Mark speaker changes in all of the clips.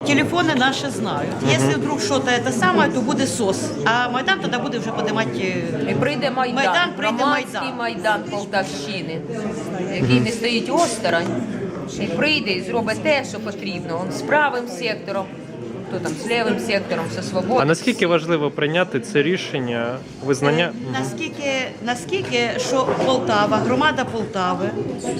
Speaker 1: телефони наші знають. Якщо вдруг щось те саме, то буде СОС. А Майдан тоді буде вже піднімати...
Speaker 2: І прийде Майдан,
Speaker 1: Майдан, прийде
Speaker 2: громадський
Speaker 1: Майдан.
Speaker 2: Майдан Полтавщини, який не стоїть осторонь, і прийде і зробить те, що потрібно. Он з правим сектором, хто там, з лівим сектором, зі свободою.
Speaker 3: А наскільки важливо прийняти це рішення, визнання?
Speaker 1: Наскільки, що Полтава, громада Полтави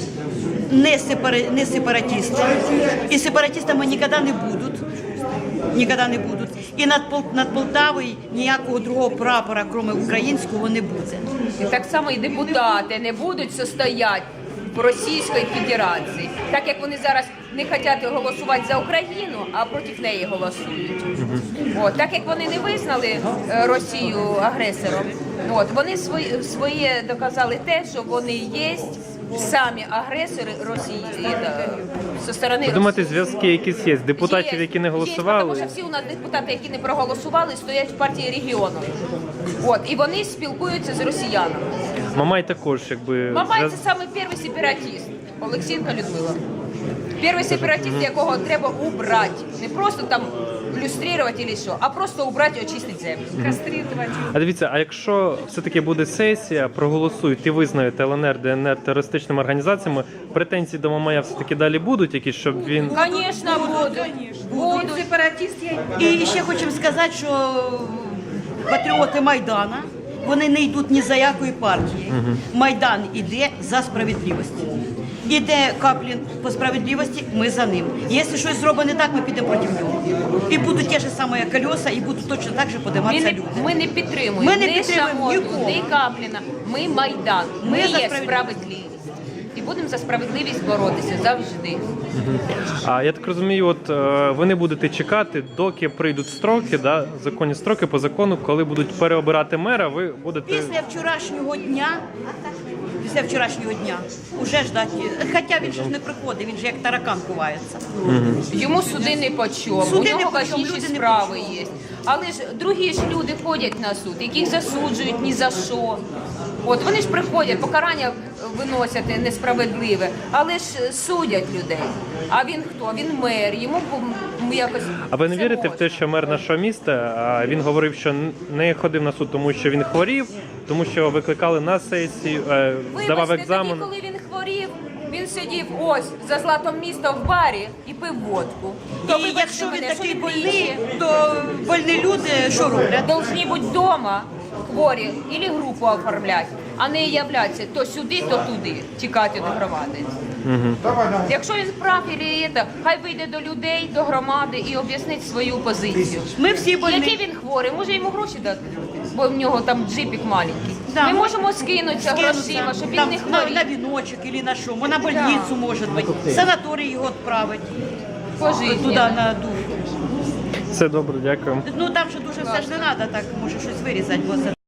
Speaker 1: не сепаратисти, і сепаратистами ніколи не будуть. Ніколи не будуть. І над Полтавою ніякого другого прапора, крім українського, не буде.
Speaker 2: І так само і депутати не будуть состояти в Російської Федерації, так як вони зараз не хочуть голосувати за Україну, а проти неї голосують. От, так як вони не визнали Росію агресором, от, вони своє доказали те, що вони є самі агресори Росії зі сторони
Speaker 3: Ви думаєте,
Speaker 2: Росії.
Speaker 3: зв'язки якісь є? Депутатів, які не голосували?
Speaker 2: Тому що всі у нас депутати, які не проголосували, стоять в партії регіону. От, і вони спілкуються з росіянами.
Speaker 3: Мамай також, якби...
Speaker 2: Мамай це саме перший сепаратист, Олексієнка Людмила. Перший сепаратист, якого треба убрати. Не просто там люструвати чи що, а просто убрати і очистити землю. Каструвати.
Speaker 3: А дивіться, а якщо все-таки буде сесія, проголосують і визнають ЛНР, ДНР терористичними організаціями, претензії до Мамая все-таки далі будуть якісь, щоб він...
Speaker 2: Звісно, будуть.
Speaker 1: І ще хочемо сказати, що патріоти Майдана, вони не йдуть ні за якої партії. Майдан іде за справедливість. Іде Каплін по справедливості, ми за ним. Якщо щось зробить не так, ми підемо проти нього. І будуть ті ж самі колеса, і будуть точно так же подиматися люди.
Speaker 2: Ми не підтримуємо
Speaker 1: Ми не
Speaker 2: ні
Speaker 1: підтримуємо
Speaker 2: Шамоту,
Speaker 1: нікого.
Speaker 2: ні Капліна. Ми Майдан. Ми
Speaker 1: Ми за
Speaker 2: є
Speaker 1: справедливість.
Speaker 2: справедливість. І будемо за справедливість боротися завжди.
Speaker 3: А я так розумію, от ви не будете чекати, доки прийдуть строки, да, законні строки по закону, коли будуть переобирати мера, ви будете...
Speaker 1: Після вчорашнього дня уже ждать. Хоча він же ж не приходить, він же як таракан ховається.
Speaker 2: Йому суди не по чому,
Speaker 1: Суди
Speaker 2: у
Speaker 1: не
Speaker 2: нього
Speaker 1: по чому,
Speaker 2: важливі
Speaker 1: люди не
Speaker 2: справи
Speaker 1: по чому.
Speaker 2: є. Але ж другі ж люди ходять на суд, яких засуджують ні за що. От вони ж приходять, покарання виносять несправедливе, але ж судять людей. А він хто? Він мер, йому якось...
Speaker 3: А ви не
Speaker 2: це
Speaker 3: вірите в
Speaker 2: можна.
Speaker 3: те, що мер нашого міста, він говорив, що не ходив на суд, тому що він хворів, тому що викликали на сесію, здавав
Speaker 2: Вибачте,
Speaker 3: екзамен.
Speaker 2: тоді, коли він хворів, він сидів ось за златом міста в барі і пив водку. То
Speaker 1: І
Speaker 2: вибачте
Speaker 1: якщо він
Speaker 2: мене,
Speaker 1: такий
Speaker 2: що
Speaker 1: больний, то больні люди що роблять?
Speaker 2: Должні бути вдома хворі, або групу оформляти, а не являтися то сюди, то туди, тікати до громади. Якщо він прав, хай вийде до людей, до громади і об'яснить свою позицію.
Speaker 1: Ми всі
Speaker 2: Який
Speaker 1: больні.
Speaker 2: він хворий, може йому гроші дати, бо в нього там джипік маленький.
Speaker 1: Да.
Speaker 2: Ми можемо скинутися грошима, щоб він
Speaker 1: Там,
Speaker 2: не
Speaker 1: на
Speaker 2: хворів.
Speaker 1: віночок або на що, на больницю може бути, в санаторій його відправити, туди
Speaker 2: Пожизненно.
Speaker 1: на дух.
Speaker 3: Все добре, дякую.
Speaker 1: Ну там же дуже все ж не треба, так може щось вирізати, бо це